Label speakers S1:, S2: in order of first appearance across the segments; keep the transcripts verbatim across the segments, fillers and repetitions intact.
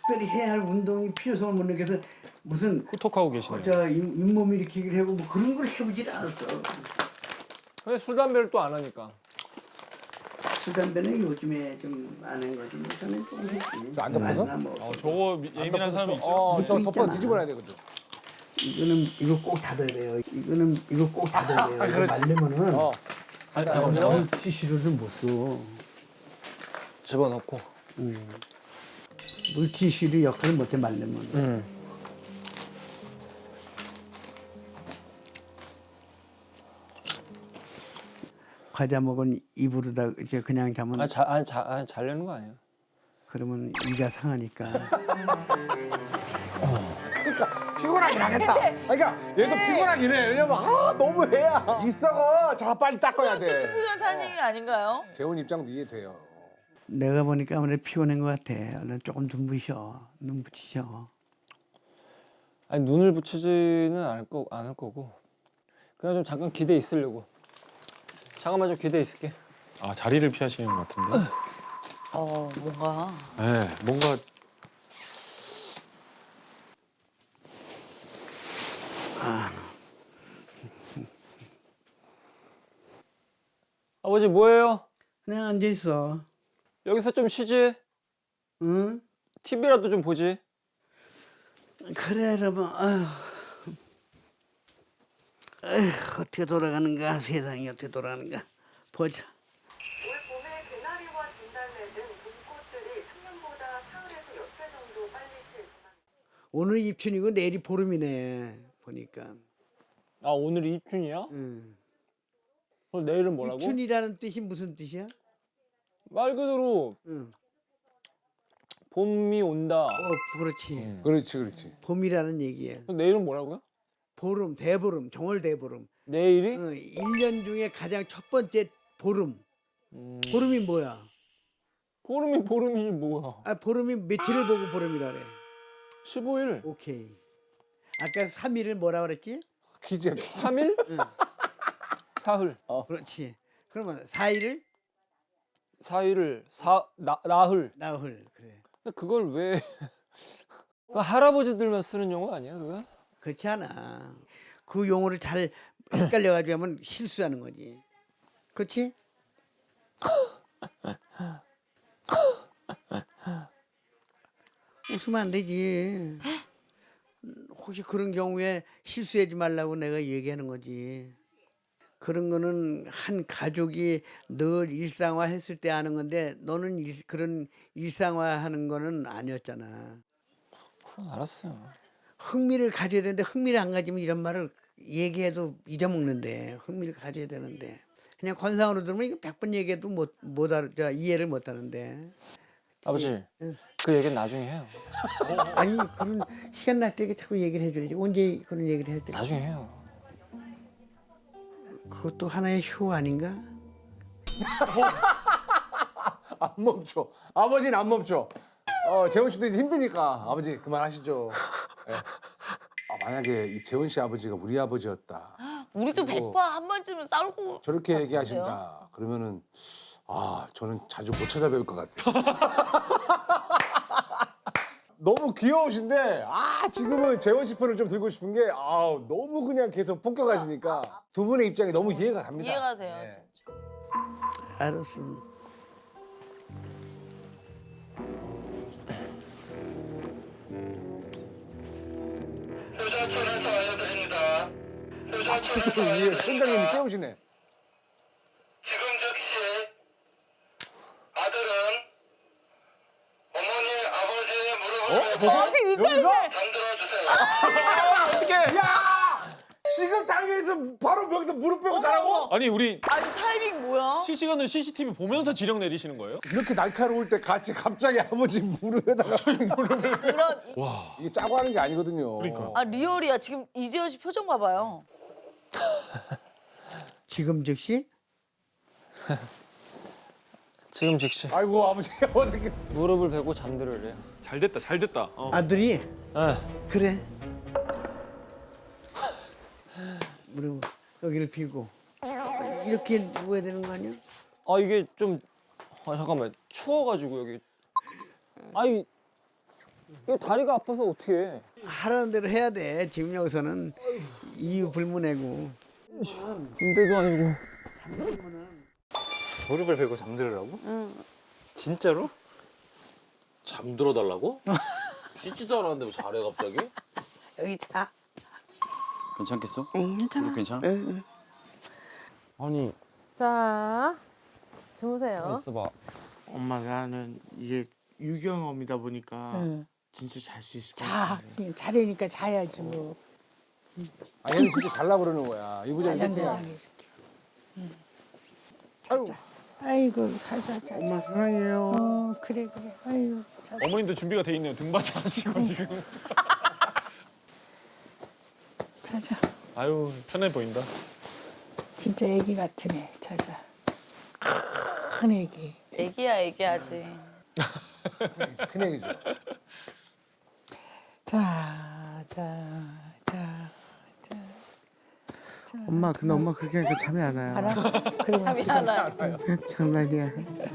S1: 특별히 해야 할 운동이 필요성을 못 느껴서 무슨
S2: 후톡하고 계시네요.
S1: 어, 저 잇- 잇몸 일으키기를 하고 뭐 그런 걸 해보질 않았어.
S2: 근데 술 담배를 또 안 하니까.
S1: 술 담배는 요즘에 좀 안 한 거지. 뭐 저는 조금 했지.
S3: 안 덮어서?
S1: 안 뭐.
S2: 어, 저거 예민한 사람이 있죠.
S3: 어, 저
S1: 이것도
S3: 덮어
S1: 있잖아.
S3: 뒤집어놔야 되거든.
S1: 이거는 이거 꼭 닫아야 돼요. 이거는 이거 꼭 닫아야 돼요. 이거 말리면은
S3: 어.
S2: 아니, 잠깐만요.
S1: 어, 티슈를 못 써.
S2: 집어넣고.
S1: 물티슈를 역할을 못해 말리면.
S2: 음.
S1: 과자 먹은 입으로다 이제 그냥 자면
S2: 아, 자, 아니, 자, 아니, 자려는 거 아니야.
S1: 그러면 이가 상하니까.
S3: 피곤하긴 하겠다. 그러니까 얘도 피곤하긴 해. 왜냐면 아 너무 해야 있어가 자 빨리 닦아야
S4: 학교
S3: 돼.
S4: 친구들한테 하는 얘기 아닌가요?
S3: 재훈 입장도 이해돼요.
S1: 내가 보니까 아무래도 피곤한 것 같아. 얼른 조금 눈부셔. 눈 붙이셔.
S2: 아니, 눈을 붙이지는 않을, 거, 않을 거고. 그냥 좀 잠깐 기대 있으려고. 잠깐만 좀 기대 있을게.
S5: 아 자리를 피하시는 것 같은데.
S4: 어, 뭔가.
S5: 네, 뭔가
S2: 아버지 뭐해요?
S1: 그냥 앉아 있어.
S2: 여기서 좀 쉬지.
S1: 응?
S2: 티비라도 좀 보지.
S1: 그래 여러분. 아휴. 아휴, 어떻게 돌아가는가 세상이 어떻게 돌아가는가 보자.
S6: 올 봄에 개나리와 진달래 등 봄꽃들이 평년보다 사흘에서 여흘 정도 빨리 필 전망입니다.
S1: 오늘 입춘이고 내일이 보름이네 보니까.
S2: 아, 오늘이 입춘이야?
S1: 응.
S2: 그럼 내일은 뭐라고?
S1: 입춘이라는 뜻이 무슨 뜻이야?
S2: 말 그대로
S1: 응.
S2: 봄이 온다.
S1: 어 그렇지.
S3: 그렇지 그렇지.
S1: 봄이라는 얘기야.
S2: 그럼 내일은 뭐라고요?
S1: 보름, 대보름, 정월 대보름.
S2: 내일이?
S1: 어, 일 년 중에 가장 첫 번째 보름.
S2: 음,
S1: 보름이 뭐야?
S2: 보름이 보름이지 뭐야.
S1: 아 보름이 며칠을 보고 보름이라 그래.
S2: 십오 일.
S1: 오케이. 아까 삼 일을 뭐라 그랬지?
S3: 퀴즈야 퀴즈.
S2: 삼 일?
S1: 응.
S2: 사흘.
S1: 그렇지. 그러면 사 일을
S2: 사 일을 사 나, 나흘.
S1: 나흘 그래.
S2: 근데 그걸 왜 그 할아버지들만 쓰는 용어 아니야, 그거?
S1: 그렇지 않아. 그 용어를 잘 헷갈려 가지고 하면 실수하는 거지. 그렇지? 웃으면 안 되지. 혹시 그런 경우에 실수하지 말라고 내가 얘기하는 거지. 그런 거는 한 가족이 늘 일상화 했을 때 하는 건데 너는 일, 그런 일상화 하는 거는 아니었잖아.
S2: 그럼 알았어요.
S1: 흥미를 가져야 되는데 흥미를 안 가지면 이런 말을 얘기해도 잊어먹는데 흥미를 가져야 되는데 그냥 관상으로 들으면 이거 백 번 얘기해도 못, 못 알아, 저, 이해를 못 하는데
S2: 아버지, 그 얘기는 나중에 해요.
S1: 아니 그런 시간 날 때 자꾸 얘기를 해줘야지 언제 그런 얘기를 할 때
S2: 나중에 해요.
S1: 그것도 하나의 효 아닌가?
S3: 안 멈춰. 아버지는 안 멈춰. 어 재훈 씨도 이제 힘드니까 아버지 그만하시죠. 예. 아, 만약에 이 재훈 씨 아버지가 우리 아버지였다.
S4: 우리도
S3: 그리고
S4: 백 번 한 번쯤은 싸우고.
S3: 저렇게
S4: 아,
S3: 얘기하신다. 그러면은 아 저는 자주 못 찾아뵐 것 같아요. 너무 귀여우신데 아 지금은 재원 씨 편을 좀 들고 싶은 게 아 너무 그냥 계속 폭격하시니까 두 분의 입장이 너무 이해가 갑니다.
S4: 이해가 돼요,
S3: 예.
S4: 진짜.
S1: 알았어.
S7: 휴자촌에서 알려드립니다. 휴자촌에서
S3: 또 위에 총장님이
S7: 알려드립니다.
S3: 깨우시네.
S7: 지금 즉시 아들은 어머니 아버지의 무릎을
S3: 어?
S7: 베고
S3: 여기서?
S7: 잠들어 주세요.
S3: 야! 지금 당일에서 바로 여기서 무릎 빼고 자라고?
S5: 아니 우리
S4: 아니, 타이밍 뭐야?
S5: 실시간으로 씨씨티비 보면서 지령 내리시는 거예요?
S3: 이렇게 날카로울 때 같이 갑자기 아버지 무릎에다가
S4: 그런.
S5: 와.
S3: 이게 짜고 하는 게 아니거든요.
S5: 그러니까.
S4: 아, 리얼이야. 지금 이재현 씨 표정 봐봐요.
S1: 지금 즉시
S2: 지금 즉시
S3: 아이고 아버지 어떻게
S2: 무릎을 베고 잠들으래요.
S5: 잘 됐다, 잘 됐다. 어.
S1: 아들이
S2: 예.
S1: 그래. 무릎 여기를 비고 이렇게 누워야 되는 거 아니야?
S2: 아, 이게 좀 아, 잠깐만 추워가지고 여기. 아이 이거 다리가 아파서 어떻게 해?
S1: 하라는 대로 해야 돼. 지금 여기서는 이유 불문이고.
S2: 군대도 아니고.
S8: 무릎을 베고 잠들으라고? 응. 진짜로?
S9: 잠들어 달라고? 씻지도 않았는데 왜 잘해 갑자기?
S4: 여기 자.
S8: 괜찮겠어?
S10: 응, 괜찮아.
S8: 무릎 괜찮아?
S10: 응, 응.
S8: 아니
S10: 자, 주무세요.
S8: 있어봐.
S11: 엄마 나는 이게 유경험이다 보니까
S10: 응.
S11: 진짜 잘 수 있을 것
S10: 자,
S11: 같아.
S10: 그냥 자려니까 자야지 뭐.
S3: 아 얘는 진짜 잘나 그러는 거야. 이부장
S10: 가장
S3: 세팅이야.
S10: 대장해줄게. 응. 자자. 아이고, 자자, 자자.
S11: 엄마 사랑해요.
S10: 어, 그래, 그래. 아이고, 자자.
S5: 어머님도 준비가 돼 있네요. 등받이 하시고 지금.
S10: 자자.
S5: 아유 편해 보인다.
S10: 진짜 애기 같은 애. 자자. 큰 애기.
S4: 애기야 애기하지.
S3: 큰 얘기죠.
S10: 자, 자, 자, 자. 자.
S11: 엄마 근데 엄마 그렇게 하니까 잠이 안 와요.
S10: 알아? 그러면
S4: 잠이 안 와요.
S11: 장난이야.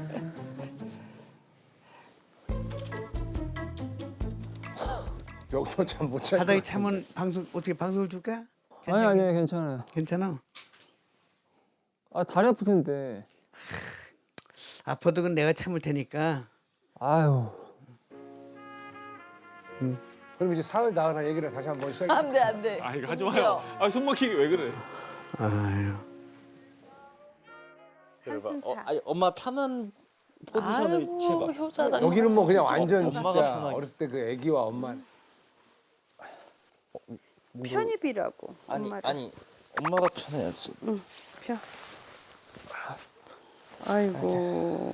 S3: 여기서 참 못 잘.
S1: 바닥에 차면 방송 어떻게 방송을 줄까?
S2: 아니 아니 괜찮아요.
S1: 괜찮아.
S2: 아 다리 아플 텐데.
S1: 아파도 그건 내가 참을 테니까.
S2: 아유.
S3: 그럼 이제 사흘 나으라 얘기를 다시 한번 시작해.
S4: 안돼 안돼.
S5: 아 이거 하지 마요. 아 손 막히게 왜 그래?
S1: 아유.
S8: 그래봐. 어, 아니 엄마 편한 포지션을
S4: 아이고
S8: 취해봐.
S4: 효자다.
S3: 여기는 뭐 그냥 완전
S8: 엄마가
S3: 진짜
S8: 편하게.
S3: 어렸을 때 그 애기와 엄마.
S10: 편히 비라고.
S8: 아니
S10: 엄마를.
S8: 아니 엄마가 편해야지.
S10: 응, 펴. 아이고.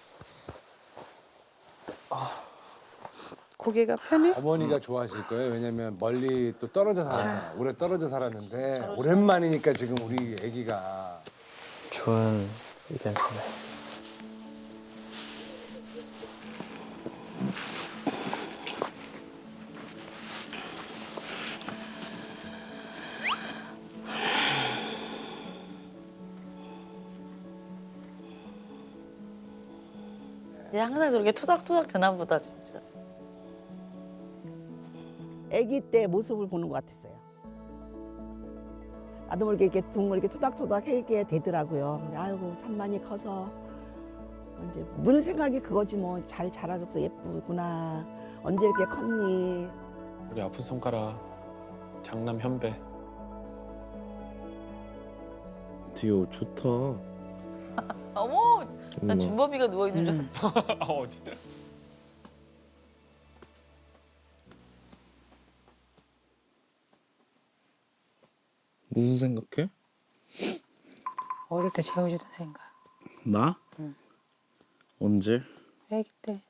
S10: 고개가 편해?
S3: 어머니가 좋아하실 거예요. 왜냐면 멀리 또 떨어져 살아. 오래 떨어져 살았는데 오랜만이니까 지금 우리 애기가
S8: 좋은 의견이네.
S4: 얘 항상 저렇게 토닥토닥 되나 보다 진짜.
S12: 아기 때 모습을 보는 것 같았어요. 나도 모르게 이렇게 정말 이렇게 토닥토닥 하게 되더라고요. 근데 아이고 참 많이 커서 이제 늘 생각이 그거지 뭐 잘 자라줘서 예쁘구나. 언제 이렇게 컸니?
S5: 우리 아픈 손가락 장남 현배.
S8: 디오 좋다.
S4: 어머, 나
S8: 엄마.
S4: 준범이가 누워 있는 줄 알았어.
S5: 어 진짜.
S8: 무슨 생각해?
S10: 어릴 때 재워주던 생각.
S8: 나?
S10: 응.
S8: 언제?
S10: 애기 때.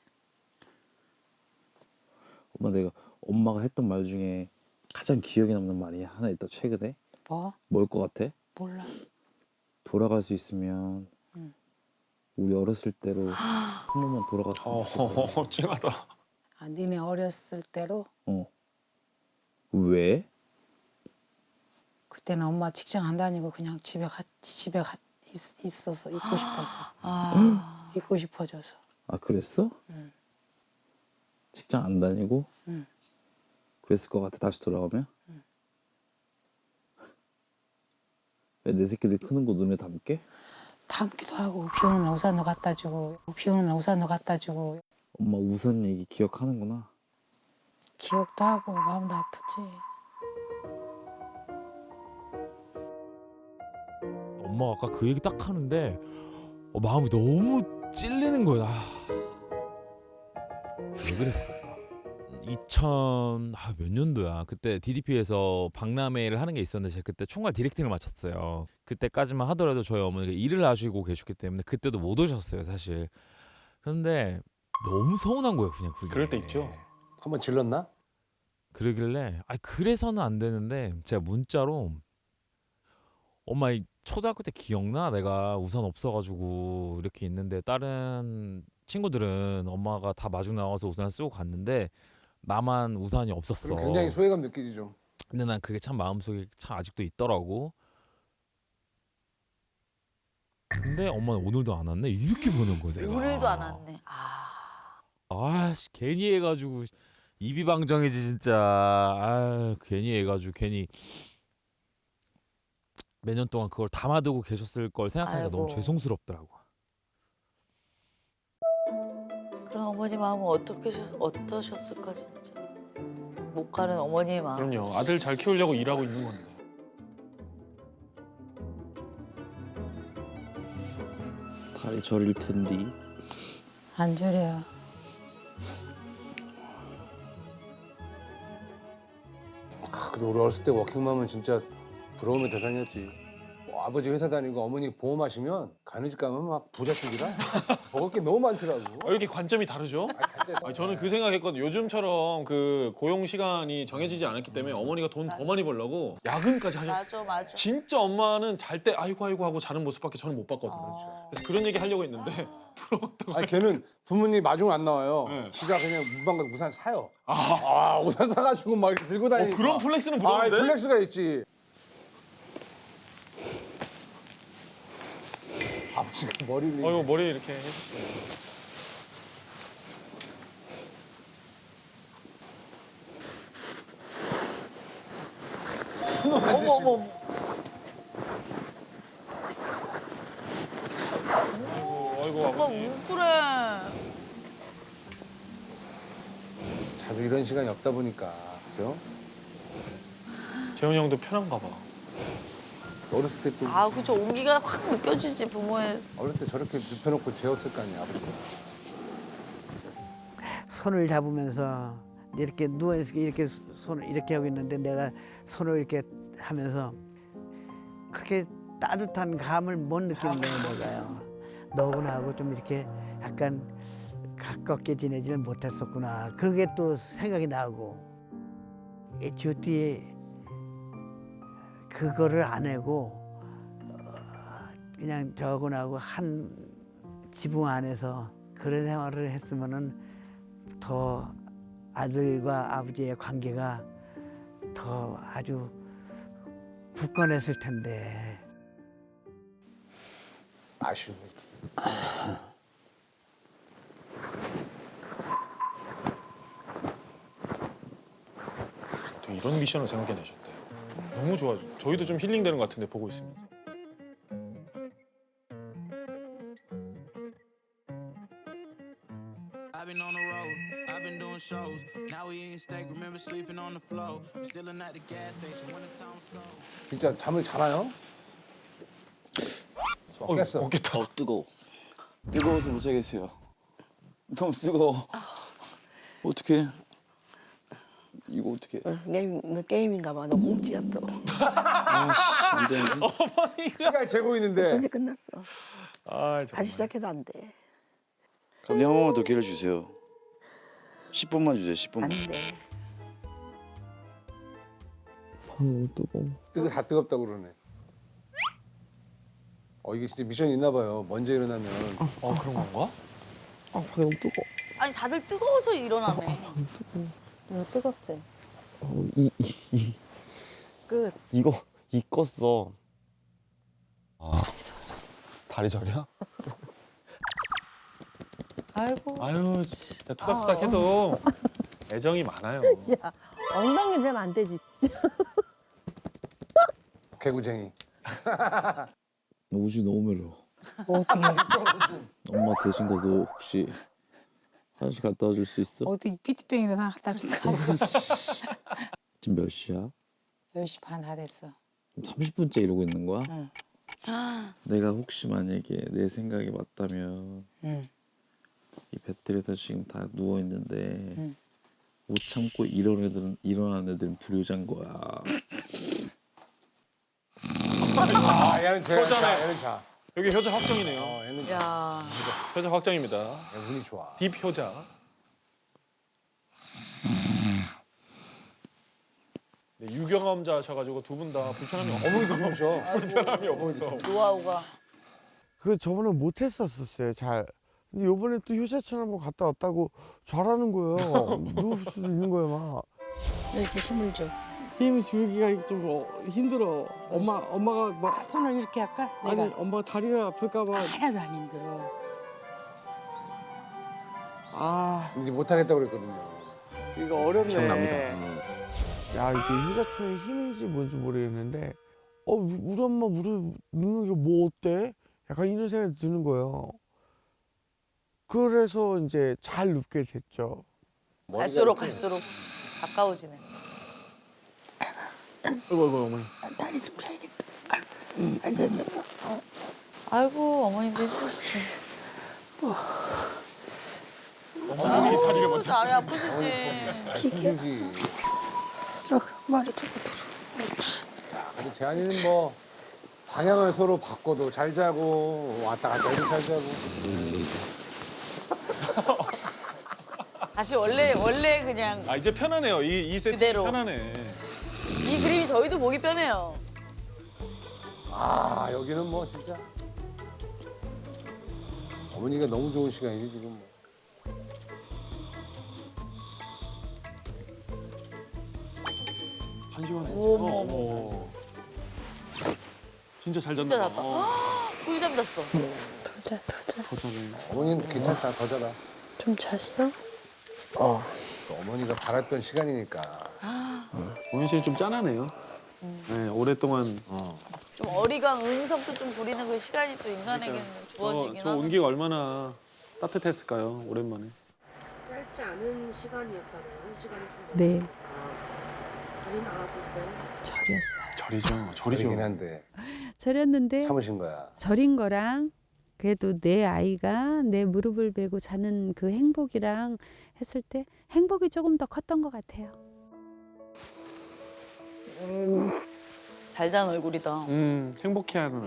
S8: 엄마 내가 엄마가 했던 말 중에 가장 기억에 남는 말이 하나 있다 최근에.
S10: 뭐?
S8: 뭘 것 같아?
S10: 몰라.
S8: 돌아갈 수 있으면
S10: 응.
S8: 우리 어렸을 때로 한 번만 돌아갔으면 좋겠다.
S5: 어 찡하다.
S10: 아, 니네 어렸을 때로
S8: 어. 왜?
S10: 그때는 엄마 직장 안 다니고 그냥 집에 가 집에 가 있, 있어서 있고 싶어서
S4: 아,
S10: 있고 싶어져서.
S8: 아 그랬어?
S10: 응.
S8: 직장 안 다니고?
S10: 응.
S8: 그랬을 것 같아 다시 돌아오면?
S10: 응.
S8: 왜 내 새끼들 크는 거 눈에 담게?
S10: 담기도 하고 비 오는 날 우산도 갖다 주고 비 오는 날 우산도 갖다 주고
S8: 엄마 우선 얘기 기억하는구나.
S10: 기억도 하고 마음도 아프지.
S13: 엄마가 아까 그 얘기 딱 하는데 어, 마음이 너무 찔리는 거야. 아, 왜 그랬을까? 이천 아, 몇 년도야? 그때 디디피에서 박람회를 하는 게 있었는데 제가 그때 총괄 디렉팅을 맡았어요. 그때까지만 하더라도 저희 어머니가 일을 하시고 계셨기 때문에 그때도 못 오셨어요, 사실. 그런데 너무 서운한 거예요, 그냥 그게.
S5: 그럴 때 있죠.
S3: 한번 질렀나?
S13: 그러길래 아 그래서는 안 되는데 제가 문자로 엄마 이 초등학교 때 기억나? 내가 우산 없어가지고 이렇게 있는데 다른 친구들은 엄마가 다 마중 나와서 우산 쓰고 갔는데 나만 우산이 없었어.
S3: 그럼 굉장히 소외감 느끼지 좀.
S13: 근데 난 그게 참 마음속에 참 아직도 있더라고. 근데 엄마는 오늘도 안 왔네? 이렇게 보는 거야 내가.
S4: 오늘도 안 왔네. 아,
S13: 아씨 괜히 해가지고 이비방정이지 진짜. 아 괜히 해가지고 괜히 몇 년 동안 그걸 담아두고 계셨을 걸 생각하니까
S4: 아이고.
S13: 너무 죄송스럽더라고.
S4: 그런 어머니 마음은 어떻게 셨- 어떠셨을까 진짜. 못 가는 어머니의 마음.
S5: 그럼요. 아들 잘 키우려고 일하고 있는 건데.
S8: 다리 저릴 텐디.
S10: 안 저래요.
S3: 아, 근데 우리 어렸을 때 워킹맘은 진짜 부러움의 대상이었지. 뭐 아버지 회사 다니고 어머니 보험하시면 가는 집 가면 막 부잣집이라 먹을 게 너무 많더라고.
S5: 어, 이렇게 관점이 다르죠? 아니, 저는 그 생각했거든요. 요즘처럼 그 고용 시간이 정해지지 않았기 때문에 어머니가 돈 더 많이 벌려고 야근까지 하셨어요.
S4: 맞아 맞아.
S5: 진짜 엄마는 잘 때 아이고 아이고 하고 자는 모습밖에 저는 못 봤거든요. 그래서 그런 얘기 하려고 했는데
S3: 아니 걔는 부모님 마중 안 나와요.
S5: 네.
S3: 지가 그냥 문방 가서 우산 사요. 아, 우산 사가지고 막 이렇게 들고
S5: 어,
S3: 다니니까.
S5: 그런 플렉스는
S3: 아,
S5: 부러운데?
S3: 플렉스가 있지. 아버지가 머리를.
S5: 어이구 머리 이렇게 해주시네.
S4: 어머 어머 어머.
S5: 아이고 아이고
S4: 오빠
S5: 아버님.
S4: 왜 그래?
S3: 자주 이런 시간이 없다 보니까 그죠?
S5: 재훈이 형도 편한가 봐.
S3: 어렸을 때 또
S4: 아 그죠 온기가 확 느껴지지 부모의.
S3: 어렸을 때 저렇게 눕혀놓고 재웠을 거 아니야 아버지가.
S1: 손을 잡으면서 이렇게 누워 있을 때 이렇게 손을 이렇게 하고 있는데 내가 손을 이렇게 하면서 그렇게 따뜻한 감을 못 느끼는 거예요, 내가요. 너구나 하고 좀 이렇게 약간 가깝게 지내지를 못했었구나. 그게 또 생각이 나고 에이치 오 티 그거를 안 하고 어, 그냥 저거하고 한 지붕 안에서 그런 생활을 했으면은 더 아들과 아버지의 관계가 더 아주 굳건했을 텐데.
S3: 아쉬운 거지.
S5: 되게 이런 미션을 생각해내셨대요. 너무 좋아. 저희도 좀 힐링되는 것 같은데 보고 있으면서.
S14: I've been on the road, I've been doing shows. Now we eating steak, remember sleeping on the floor. We still at the gas station when the time was cold.
S3: 진짜 잠을 자나요?
S5: 어,
S3: 깼어.
S5: 없겠다.
S8: 어 뜨거워. 뜨거워서 못 자겠어요. 너무 뜨거워. 어떻게? 이거 어떻게?
S12: 게임 게임인가 봐. 너 뭉치야 또.
S8: 아씨 안 되는데.
S3: 시간 재고 있는데.
S12: 벌써 이제 끝났어.
S5: 아 정말.
S12: 다시 시작해도 안 돼.
S8: 그럼 한 번만 더 기회를 주세요. 십 분만 주세요. 십 분만.
S12: 안 돼.
S8: 아우 뜨거워.
S3: 뜨거 다 뜨겁다고 그러네. 어 이게 진짜 미션이 있나 봐요. 먼저 일어나면.
S5: 어 그런 건가?
S8: 아 밖에 너무 뜨거.
S4: 아니 다들 뜨거워서 일어나네.
S10: 이거 뜨겁지?
S8: 어, 이, 이, 이.
S10: 끝.
S2: 이거 이 껐어. 아 다리 저려?
S10: 아이고.
S5: 아유 진짜 투닥투닥 해도 애정이 많아요.
S10: 야, 엉덩이 되면 안 되지 진짜.
S3: 개구쟁이.
S8: 옷이 너무 매워.
S10: 어떻게?
S8: 엄마 대신 가서 혹시 화장실 갔다 와줄 수 있어?
S10: 어떻게 피트병이라도 갖다 줄까?
S8: 지금 몇 시야?
S10: 열 시 반 다 됐어.
S8: 삼십 분째 이러고 있는 거야?
S10: 응.
S8: 내가 혹시 만약에 내 생각이 맞다면
S10: 응.
S8: 이 배틀에서 지금 다 누워 있는데
S10: 응.
S8: 못 참고 일어난 애들은 일어난 애들은 불효자인 거야.
S3: 아 얘는 제.
S5: 효자네.
S3: 얘는 자.
S5: 여기 효자 확정이네요.
S3: 어 얘는 자.
S4: 야.
S5: 효자 확정입니다.
S3: 얘 운이 좋아.
S5: 딥 효자. 네, 유경험자셔가지고 두 분 다 불편함이 없어요.
S3: 어머니도 좋으셔.
S5: 불편함이 없어.
S4: 노하우가.
S11: 그 저번에 못 했었었어요. 잘. 근데 요번에 또 효자처럼 한번 갔다 왔다고 잘하는 거예요. 누울 수도 있는 거예요, 막.
S10: 이렇게 힘을 줘.
S11: 힘 주기가 좀 어, 힘들어. 엄마 엄마가 막
S10: 손을 이렇게 할까? 내가
S11: 아니 엄마가 다리가 아플까 봐.
S10: 하나도 안 힘들어.
S11: 아,
S3: 이제 못 하겠다고 그랬거든요. 이거 어렵네.
S8: 기억납니다.
S11: 야 이게 효자촌의 힘인지 뭔지 모르겠는데 어 우리 엄마 우리 눕는 게 뭐 어때? 약간 이런 생각이 드는 거예요. 그래서 이제 잘 눕게 됐죠.
S4: 갈수록 갈수록 가까워지네.
S5: 아이고 아이고 어머니.
S10: 다리 좀 펴야겠다.
S4: 아이고 어머님도 힘드시지.
S5: 어머니 다리를 먼저.
S4: 다리 아프시지.
S3: 힘들지.
S10: 이렇게 머리 두고 두고. 그렇지.
S3: 근데 재한이는 뭐 방향을 서로 바꿔도 잘 자고 왔다 갔다 해도 잘 자고.
S4: 다시 원래 원래 그냥
S5: 아 이제 편하네요. 이 이 세트
S4: 그대로.
S5: 편하네.
S4: 이 그림이 저희도 보기 편해요.
S3: 아 여기는 뭐 진짜 어머니가 너무 좋은 시간이지 지금. 뭐.
S5: 한 시간에.
S4: 어머,
S5: 어,
S4: 어머.
S5: 어머. 진짜 잘
S4: 진짜
S5: 잤나
S4: 잤다.
S5: 봐.
S4: 꿀 잠잤어.
S10: 더 자, 더 자.
S5: 더 자네.
S3: 어머니는 괜찮다 더 자라.
S10: 좀 잤어?
S3: 어. 어머니가 바랐던 시간이니까.
S5: 오현 씨는 좀 짠하네요. 네 오랫동안. 어.
S4: 좀 어리광 은석도 좀 부리는 그 시간이 또 인간에게는
S5: 저,
S4: 주어지긴
S5: 저
S4: 하고.
S5: 온기가 얼마나 따뜻했을까요? 오랜만에.
S6: 짧지 않은 시간이었잖아요. 한 시간이 좀
S12: 네.
S6: 넘었으니까. 많이 나아졌어요.
S10: 절이었어요.
S5: 절이죠. 절이죠.
S3: 절이긴 한데
S15: 절였는데
S3: 참으신 거야.
S15: 절인 거랑 그래도 내 아이가 내 무릎을 베고 자는 그 행복이랑 했을 때 행복이 조금 더 컸던 것 같아요.
S4: 잘 잔 얼굴이다.
S5: 음 행복해하는.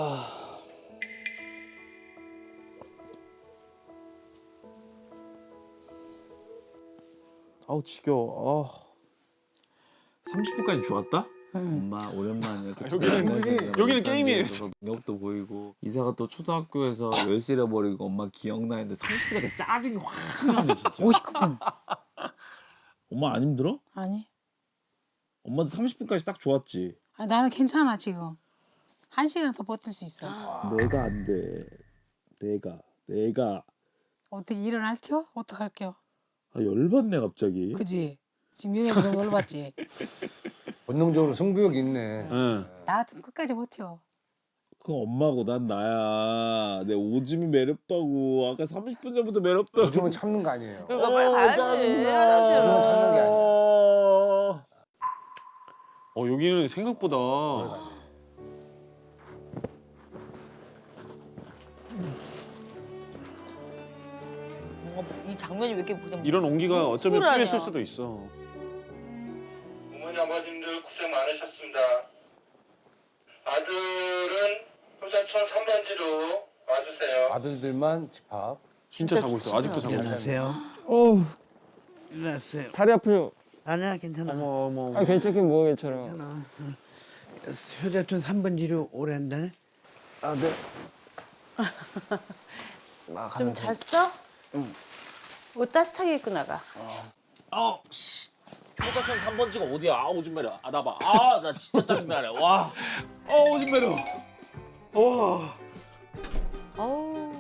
S8: 아우 지겨워. 아.
S5: 삼십 분까지 좋았다?
S8: 엄마 오랜만에
S5: 아, 여기는 여기는 게임이에요.
S8: 능력도 보이고 이사가 또 초등학교에서 열시 잃어버리고 엄마 기억나는데 삼십 분에 짜증이 확 나네 진짜.
S10: 오십구 분.
S8: 엄마 안 힘들어?
S10: 아니.
S8: 엄마도 삼십 분까지 딱 좋았지.
S10: 아, 나는 괜찮아 지금. 한 시간 더 버틸 수 있어.
S8: 내가 안 돼. 내가 내가
S10: 어떻게 일어날 텨? 어떡할게요?
S8: 아, 열받네 갑자기.
S10: 그지? 지금 이래서 너무 열받지?
S3: 본능적으로 승부욕 있네.
S5: 응.
S10: 나 끝까지 버텨.
S8: 그 엄마고 난 나야. 내 오줌이 매렵다고. 아까 삼십 분 전부터 매렵다고.
S3: 요즘은 참는 거 아니에요.
S4: 그러니까 빨리 가야지.
S3: 요즘은
S4: 화장실로.
S3: 참는 게 아니야.
S5: 어 여기는 생각보다
S4: 뭔가 이 장면이 왜 이렇게 그냥
S5: 이런 온기가 어쩌면
S4: 우울하냐.
S5: 필요했을 수도 있어.
S7: 어머니 아버님들 고생 많으셨습니다. 아들은 효자촌 삼 번지로 와주세요.
S3: 아들들만 집합.
S5: 진짜 자고 있어. 아직도 자고 있어.
S1: 일어나세요.
S2: 어우
S1: 일어나세요.
S2: 다리 아프죠?
S1: 아니야 괜찮아.
S5: 어머 어머.
S2: 아 괜찮긴 뭐가 괜찮아.
S1: 괜찮아. 응. 효자촌 삼 번 지로 오래 한다네.
S2: 아 네.
S15: 좀 잤어? 응. 옷 따뜻하게 입고 나가.
S9: 아, 씨. 효자촌 삼 번지가 어디야? 아, 오줌 매려. 아, 나 봐. 아, 나 진짜 짜증나네. 와. 아, 오줌 매려. 와.
S4: 어우.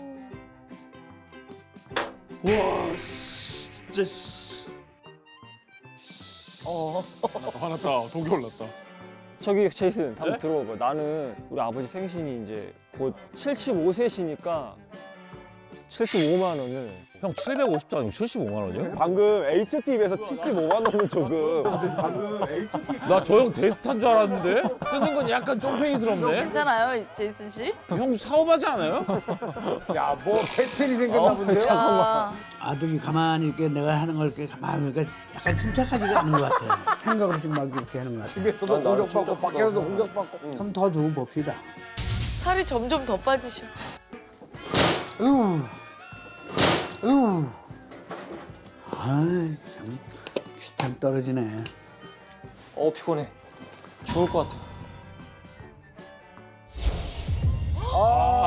S9: 와, 씨, 진짜 씨.
S4: 어.
S5: 화났다. 독이 올랐다.
S2: 저기 제이슨 한번
S9: 네?
S2: 들어봐봐. 나는 우리 아버지 생신이 이제 곧 칠십오 세시니까 칠십오만 원을
S9: 형 칠백오십도 아니고 칠십오만 원이야?
S2: 방금 에이치티비에서 칠십오만 원을 조금
S9: 나 저 형 데스탄 줄 알았는데? 쓰는 건 약간 쫑팽이스럽네?
S4: 괜찮아요, 제이슨 씨?
S9: 형 사업하지 않아요?
S3: 야, 뭐 패턴이 생겼나 본데요?
S4: 야.
S1: 아들이 가만히 이렇게 내가 하는 걸 이렇게 가만히 보니까 약간 침착하지가 않은 것 같아. 생각 없이 막 이렇게 하는 것 같아.
S3: 집에서도 공격받고 밖에서도 공격받고.
S1: 좀 더 주고 봅시다.
S4: 살이 점점 더 빠지셔.
S1: 으우, 으우. 아, 참, 참 떨어지네.
S2: 어 피곤해. 죽을 것 같아.
S3: 아,